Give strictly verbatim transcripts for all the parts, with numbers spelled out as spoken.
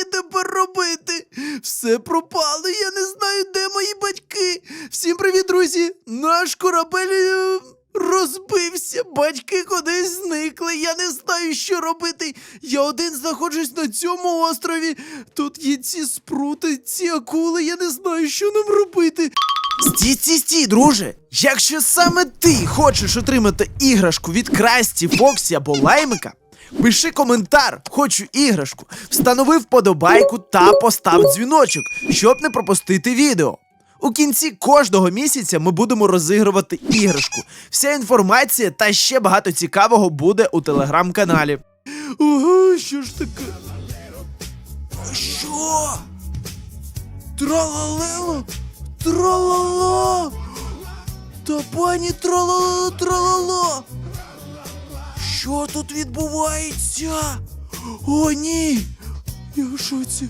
мені тепер робити? Все пропало, я не знаю, де мої батьки. Всім привіт, друзі! Наш корабель е, розбився, батьки кудись зникли, я не знаю, що робити. Я один знаходжусь на цьому острові. Тут є ці спрути, ці акули, я не знаю, що нам робити. Стій, стій, стій, друже! Якщо саме ти хочеш отримати іграшку від Красті, Фоксі або Лаймика, пиши коментар «Хочу іграшку», встанови вподобайку та постав дзвіночок, щоб не пропустити відео. У кінці кожного місяця ми будемо розігрувати іграшку. Вся інформація та ще багато цікавого буде у телеграм-каналі. Ого, що ж таке? Що? Тралалело? Тралала! Та пані тралала, тралала! Що тут відбувається? О, ні! Я в шоці.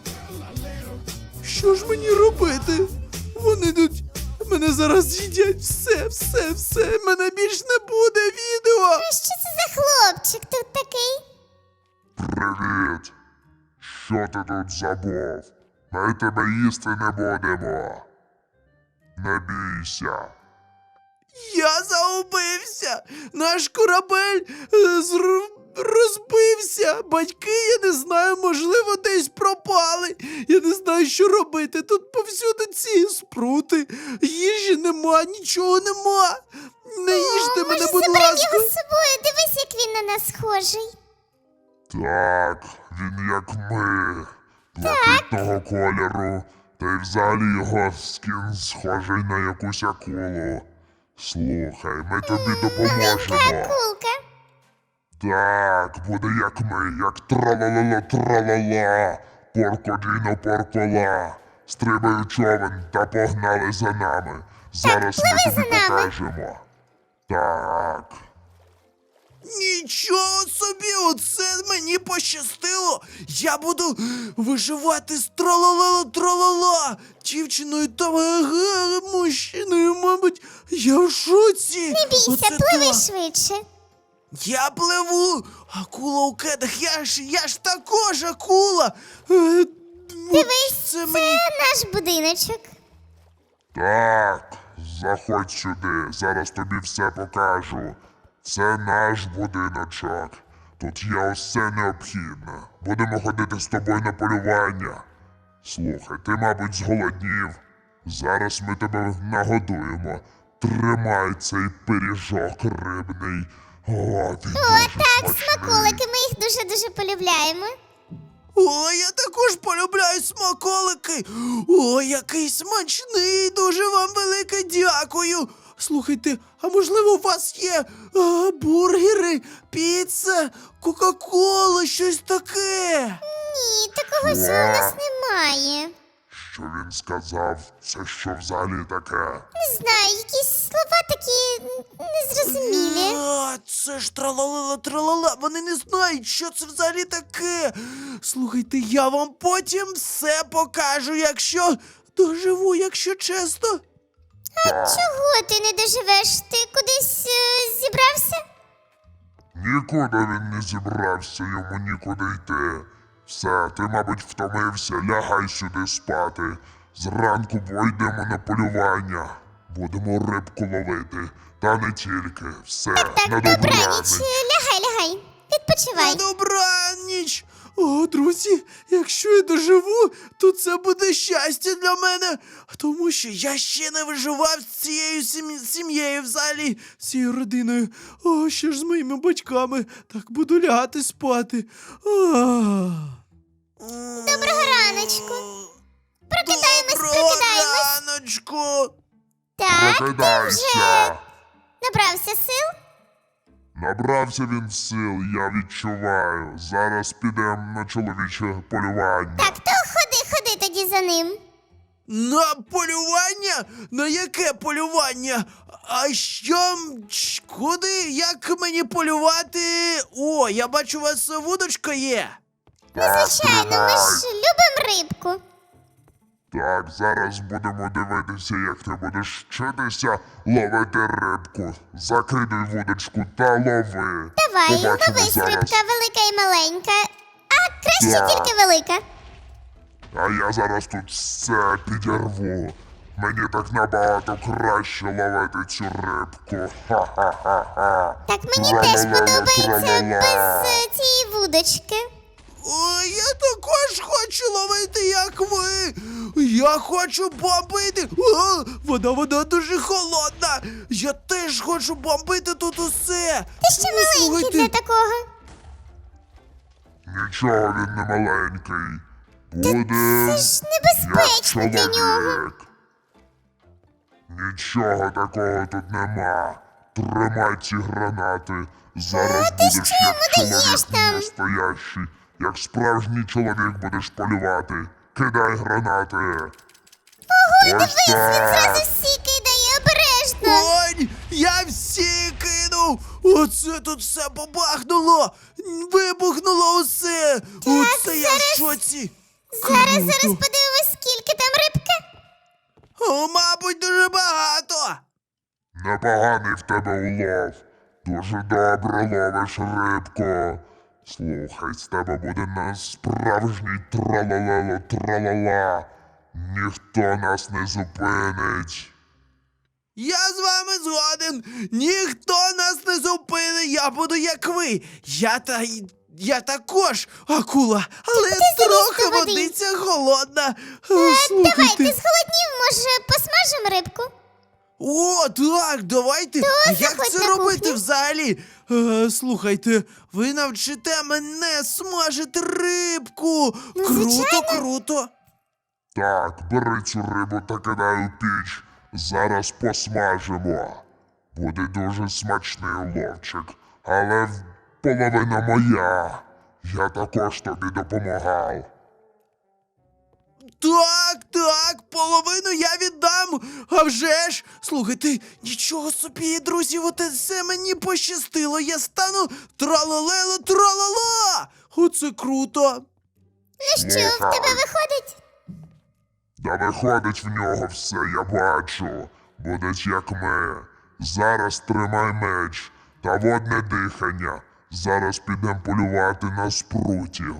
Що ж мені робити? Вони тут мене зараз з'їдять. Все, все, все. Мене більш не буде відео. А що це за хлопчик тут такий? Привіт! Що ти тут забув? Ми тебе їсти не будемо. Не бійся. Я загубився. Наш корабель е, зр... розбився. Батьки, я не знаю, можливо, десь пропали. Я не знаю, що робити. Тут повсюди ці спрути. Їжі нема, нічого нема. Не їжте О, мене, може, будь заберемо ласка. його з собою? Дивись, як він на нас схожий. Так, він як ми. Блакитного кольору. Та й взагалі його скін схожий на якусь акулу. Слухай, ми тобі допоможемо. Акулка. Так, буде як ми, як тралалала тралала, поркодіно поркола. Стрибай у човен та погнали за нами. Зараз ми пливи тобі за нами. покажемо. Так. Нічого собі, оце мені пощастило. Я буду виживати з тралала-тралала, дівчиною та е, мужчиною, мабуть. Я в шоці. Не бійся, Оце пливи так. швидше. Я пливу. Акула у кедах, я ж, я ж також акула. Е, Дивись, це це мені... наш будиночок. Так, заходь сюди, зараз тобі все покажу. Це наш будиночок. Тут є усе необхідне. Будемо ходити з тобою на полювання. Слухай, ти, мабуть, зголоднів. Зараз ми тебе нагодуємо. Тримай цей пиріжок рибний. О, він О, дуже так, смачний. смаколики, ми їх дуже-дуже полюбляємо. О, я також полюбляю смаколики. О, який смачний, дуже вам велике дякую. Слухайте, а можливо у вас є а, бургери, піца, кока-кола, щось таке? Ні, такого всього у нас немає. Що він сказав? Це що взагалі таке? Не знаю, якісь слова такі незрозумілі. А, це ж тралала-тралала, вони не знають, що це взагалі таке. Слухайте, я вам потім все покажу, якщо доживу, якщо чесно. А чого ти не доживеш? Ти кудись е, зібрався? Нікуди він не зібрався, йому нікуди йти. Все, ти, мабуть, втомився, лягай сюди спати. Зранку пойдемо на полювання. Будемо рибку ловити. Та не тільки. Все, Так, на добраніч. добраніч. Лягай, лягай. Відпочивай. На добраніч! О, друзі, якщо я доживу, то це буде щастя для мене, тому що я ще не виживав з цією сім- сім'єю взагалі, з цією родиною. О, що ж з моїми батьками? Так буду лягати спати. Доброго раночку. Прокидаємось, Доброго прокидаємось. раночку! Так, ти вже Прокидайся. набрався сил? Набрався він сил, я відчуваю. Зараз підемо на чоловіче полювання. Так, то ходи, ходи тоді за ним. На полювання? На яке полювання? А що? м, ч- Куди? Як мені полювати? О, я бачу, у вас вудочка є. Так, Звичайно, ми тримай. ж любимо рибку. Так, зараз будемо дивитися, як ти будеш вчитися ловити рибку. Закидуй вудочку та лови. Давай, Побачимо ловись, зараз. рибка велика і маленька. А краще Так. тільки велика. А я зараз тут все підірву. Мені так набагато краще ловити цю рибку. Ха-ха-ха-ха. Так мені теж Тра-ла-ла-ла, подобається тра-ла-ла. без е, цієї вудочки. Ой, я також хочу ловити, як ви. Я хочу бомбити. О, вода, вода дуже холодна. Я теж хочу бомбити тут усе. Ти ще Ну, маленький слухайте, для такого. Нічого він не маленький. Буде Це ж як небезпечно для нього. чоловік. Нічого такого тут нема. Тримай ці гранати. Зараз ти будеш що як йому даєш чоловік там? настоящий. Як справжній чоловік будеш полювати. Кидай гранати. Ось Дивись, він так. зразу всі кидає обережно. Ой, я всі кинув. Оце тут все побахнуло. Вибухнуло усе. Оце я в шоці. Зараз, Круто. зараз подивимось, скільки там рибки. О, мабуть, дуже багато. Непоганий в тебе улов. Дуже добре ловиш рибку. Слухай, з тебе буде на справжній тралалело тралала. Ніхто нас не зупинить. Я з вами згоден. Ніхто нас не зупинить. Я буду як ви. Я та я також акула, але трохи до води? водиця холодна. Е, Давай, Слухайте. ти зголоднів, може, посмажемо рибку? О, так, давайте. А як заходь це на робити кухню. взагалі? Е, слухайте, ви навчите мене смажити рибку. Ну, Круто, звичайно. круто. Так, бери цю рибу та кидай у піч. Зараз посмажимо. Буде дуже смачний уловчик, але в- половина моя. Я також тобі допомагав. Так, так, половину я віддам. А вже ж, слухайте, нічого собі, друзі, оте все мені пощастило. Я стану тралалело тралала. Оце круто. Ну що, в тебе виходить? Да виходить в нього все, я бачу. Будеш як ми. Зараз тримай меч та водне дихання. Зараз підемо полювати на спрутів.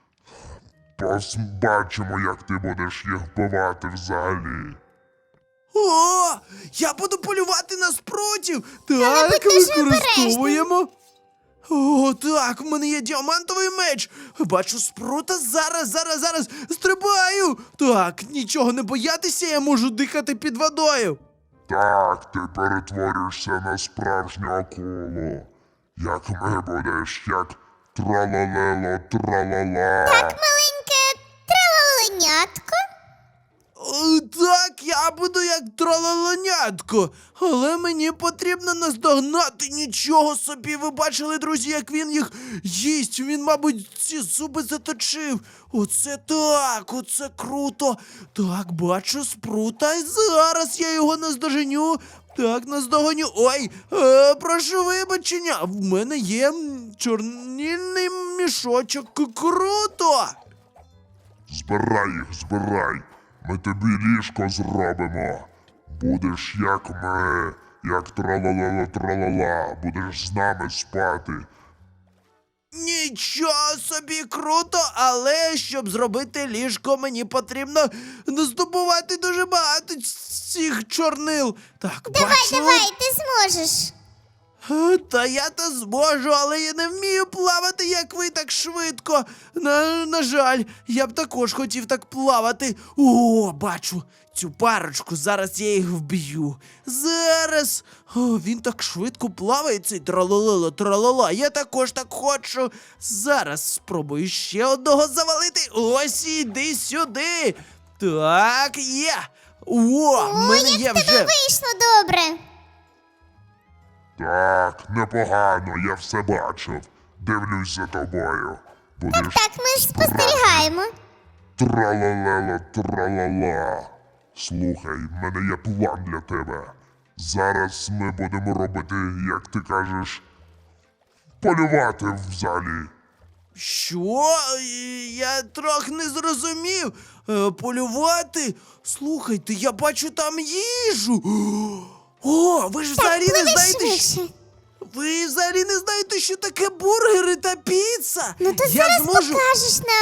Побачимо, як ти будеш їх вбивати взагалі. О, я буду полювати на спрутів. Так, будь дуже використовуємо. О, так, в мене є діамантовий меч. Бачу спрута, зараз, зараз, зараз стрибаю. Так, нічого не боятися, я можу дихати під водою. Так, ти перетворюєшся на справжню акулу. Як ми будеш, як тралалело тралала. Маленьке тралаленятко. О, так, я буду як трололонятко, але мені потрібно наздогнати. Нічого собі, ви бачили, друзі, як він їх їсть. Він, мабуть, ці зуби заточив. Оце так, оце круто. Так, бачу спрута, і зараз я його наздоженю. Так, наздогоню. Ой, е, прошу вибачення, в мене є м, чорнильний мішочок. Круто! Збирай їх, збирай. Ми тобі ліжко зробимо. Будеш як ми, як тралалала тралала. Будеш з нами спати. Нічого собі круто, але щоб зробити ліжко, мені потрібно здобувати дуже багато цих чорнил. Так, Давай, бачу. давай, ти зможеш. Е, Та я то зможу, але я не вмію плавати, як ви, так швидко. На, на жаль, я б також хотів так плавати. О, бачу цю парочку, зараз я їх вб'ю. Зараз. О, він так швидко плаває, цей тралалала, тралала. Я також так хочу. Зараз спробую ще одного завалити. Ось іди сюди. Так, є. О, в мене є Як в вже. тебе вийшло добре. Так, непогано, я все бачив. Дивлюсь за тобою. Будеш Так, ми ж спостерігаємо. тралалело тралала. Слухай, в мене є план для тебе. Зараз ми будемо робити, як ти кажеш, полювати в залі. Що? Е, Я трохи не зрозумів. Е, полювати? Слухайте, я бачу там їжу. О, ви ж взагалі не Пливи знаєте, що... швидше. Ви взагалі не знаєте, що таке бургери та піца? Ну то я зараз зможу. покажеш нам.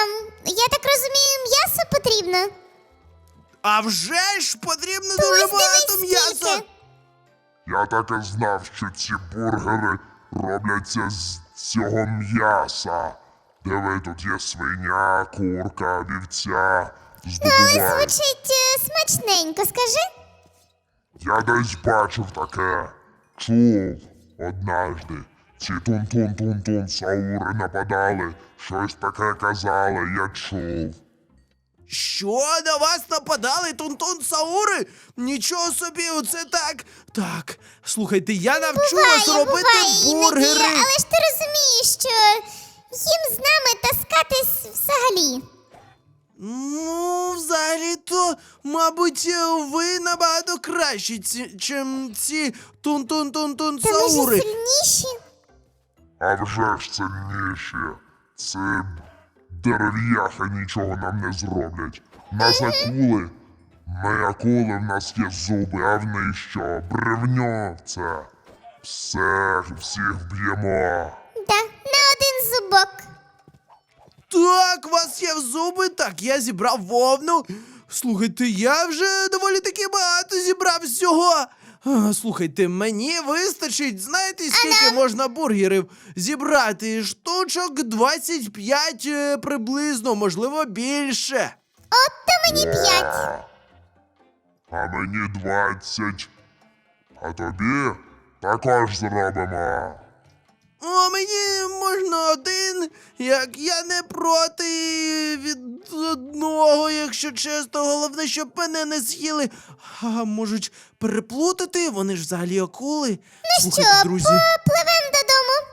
я так розумію, м'ясо потрібно? А вже ж потрібно То дуже ось багато дивись м'яса. скільки. Я так і знав, що ці бургери робляться з цього м'яса. Диви, тут є свиня, курка, вівця. Але Здобувай. звучить е, смачненько, скажи. Я десь бачив таке. Чув однажды. Ці тун-тун-тун-тун саури нападали. Щось таке казали, я чув. Що, на вас нападали тун-тун саури? Нічого собі, оце так. Так, слухайте, я навчу вас Буває, робити буває бургери. іноді, але ж ти розумієш, що їм з нами таскатись взагалі. Ну, взагалі-то, мабуть, ви набагато кращі, ці, чим ці тун-тун-тун-тун Та ми ж саури. сильніші. А вже ж сильніші. Це дерев'яхи нічого нам не зроблять. Нас акули. Ми акули, в нас є зуби, а в них що? Бревньо це. Все, всіх вб'ємо. Да, на один зубок. Так, у вас є зуби, так, я зібрав вовну. Слухайте, я вже доволі таки багато зібрав всього. А, слухайте, мені вистачить, знаєте, скільки можна бургерів зібрати? Штучок двадцять п'ять е, приблизно, можливо, більше. От то мені п'ять. А мені двадцять. А тобі також зробимо. О, мені можна один, як я не проти від одного, якщо чесно. Головне, щоб мене не з'їли. А можуть переплутати, вони ж взагалі акули. Ну Слухайте, що, друзі. попливем додому?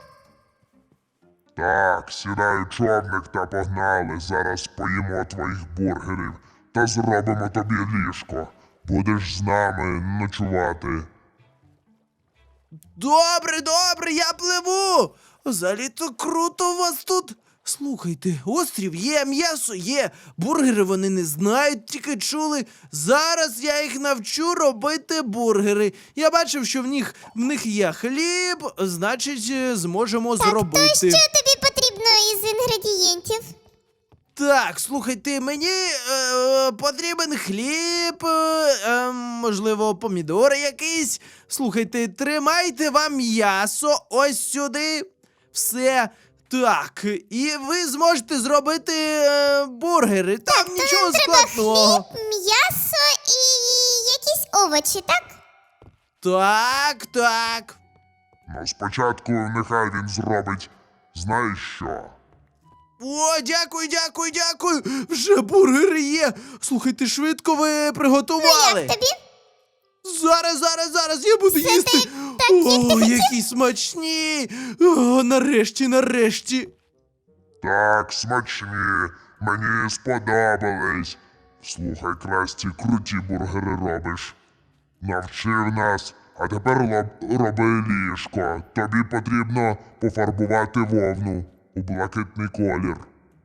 Так, сідай у човник та погнали. Зараз поїмо твоїх бургерів та зробимо тобі ліжко. Будеш з нами ночувати. Добре, добре, я пливу. Взагалі-то круто у вас тут. Слухайте, острів є, м'ясо є, бургери вони не знають, тільки чули. Зараз я їх навчу робити бургери. Я бачив, що в них, в них є хліб, значить, е, зможемо зробити. То що тобі потрібно із інгредієнтів? Так, слухайте, мені е, потрібен хліб, е, е, можливо, помідори якісь. Слухайте, тримайте вам м'ясо ось сюди. Все. Так, і ви зможете зробити е, бургери. Там нічого складного. Хліб, м'ясо і якісь овочі, так? Так, так. Ну, спочатку нехай він зробить. Знаєш що? О, дякую, дякую, дякую. Вже бургери є. Слухайте, швидко ви приготували. Як тобі? Зараз, зараз, зараз я буду їсти. так, як ти О, хотів? які смачні. О, нарешті, нарешті. Так, смачні. Мені сподобались. Слухай, Красті, круті бургери робиш. Навчив нас, а тепер лоб- роби ліжко. Тобі потрібно пофарбувати вовну у блакитний колір.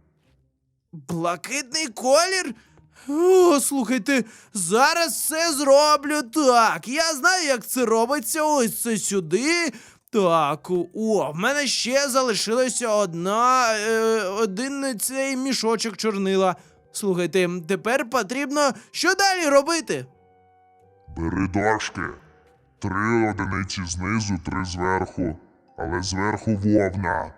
Блакитний колір? О, слухайте, зараз все зроблю. Так, я знаю, як це робиться. Ось це сюди. Так, о, в мене ще залишилося одна, е, один цей мішочок чорнила. Слухайте, тепер потрібно що далі робити? Бери дошки. Три одиниці знизу, три зверху. Але зверху вовна.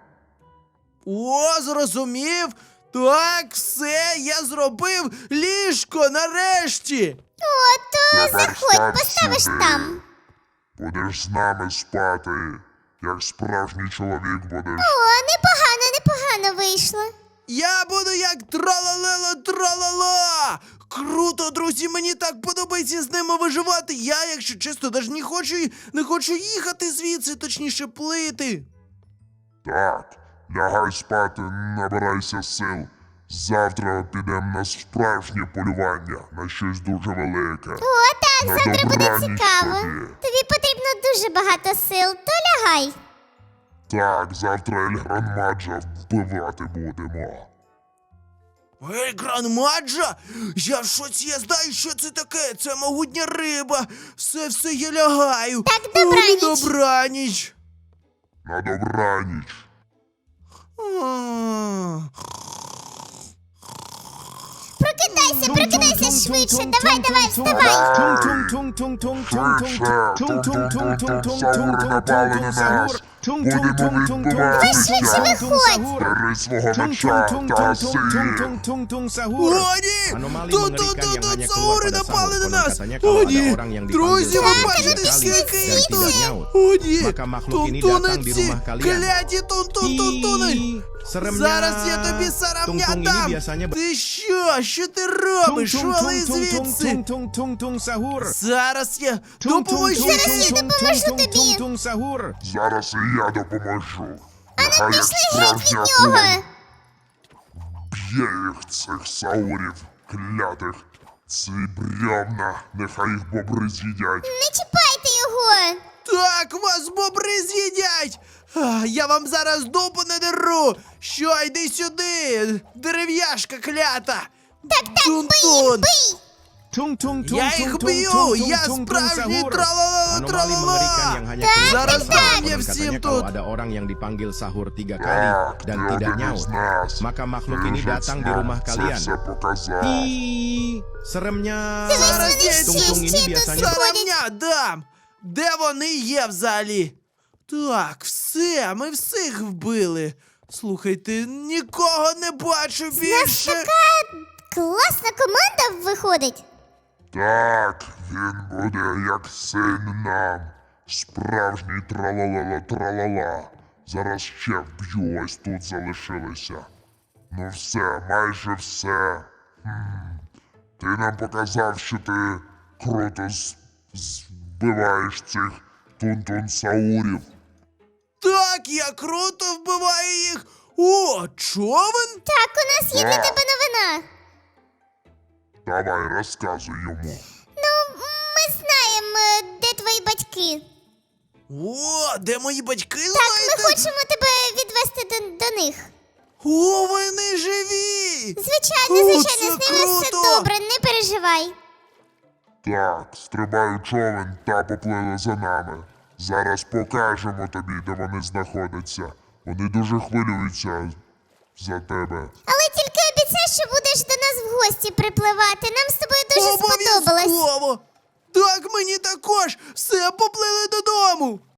О, зрозумів. Так, все, я зробив ліжко нарешті. О, то Тепер заходь, став поставиш сюди. там. Будеш з нами спати. Як справжній чоловік будеш. О, непогано, непогано вийшло. Я буду як тралалело тралала. Круто, друзі, мені так подобається з ними виживати. Я, якщо чесно, навіть не хочу, не хочу їхати звідси, точніше плити. Так, лягай спати, набирайся сил. Завтра підемо на справжнє полювання, на щось дуже велике. О, так, На завтра буде добраніч цікаво. тобі. Тобі потрібно дуже багато сил, то лягай. Так, завтра Ельгран Маджа вбивати будемо. Ей, Гранмаджа! Я в шоці, я знаю, що це таке. Це могутня риба. Все, все, я лягаю. Так, О, добраніч. добраніч. На добраніч. А. Прокидайся, прокидайся швидше. Давай, давай, вставай. Саури напали на нас. Будемо відбуватися. Бери свого меча та гаси їх. О, ні! Тут, тут, тут, тут Саури напали на нас! О, ні! Друзі, ви бачите, скільки їх тут! О, ні! Тунтуниці! Кляті тунтун-тунтуни! Зараз я тобі сарамня дам! Ти що? Що ти робиш? Шоли звідси! Зараз я допоможу! Зараз я допоможу тобі. Зараз і я допоможу. Нехай як Пішли геть від справжня нього. куля б'є їх цих саурів клятих. Ці бревна, нехай їх бобри з'їдять. Не чіпайте його. Так, вас бобри з'їдять! А, я вам зараз дупу надеру! Що, йди сюди! Дерев'яшка клята! Так, так, бий, Тун-тун! бий. Я їх б'ю! Я справжній тралала тралала! Зараз дам я всім тут! Ada orang yang dipanggil sahur tiga kali Так, dan ти tidak один із nyaut, нас. maka makhluk Ти ini вже datang di знав, rumah це kalian. все показав. Ih, seremnya. Зараз я Tung-tung ini ще biasanya тут сарамня дам! Де вони є взагалі? Так, все, ми всіх вбили. Слухайте, нікого не бачу більше. Така класна команда виходить. Так, він буде як син нам. Справжній тралала тралала. Зараз ще вб'ю, ось тут залишилися. Ну все, майже все. Хм. Ти нам показав, що ти круто з- збиваєш цих тунтун-саурів. Так, я круто вбиваю їх. О, човен? Так, у нас є для Так. тебе новина. Давай, розказуй йому. Ну, ми знаємо, е, де твої батьки. О, де мої батьки, Так, знаєте? ми хочемо тебе відвести до, до них. О, вони живі! Звичайно, О, звичайно, це з ними все круто! добре, не переживай. Так, стрибай у човен та поплили за нами. Зараз покажемо тобі, де вони знаходяться. Вони дуже хвилюються за тебе. Але тільки обіцяй, що будеш до нас в гості припливати. Нам з тобою дуже сподобалось. Обов'язково! Так, мені також! Все, поплили додому!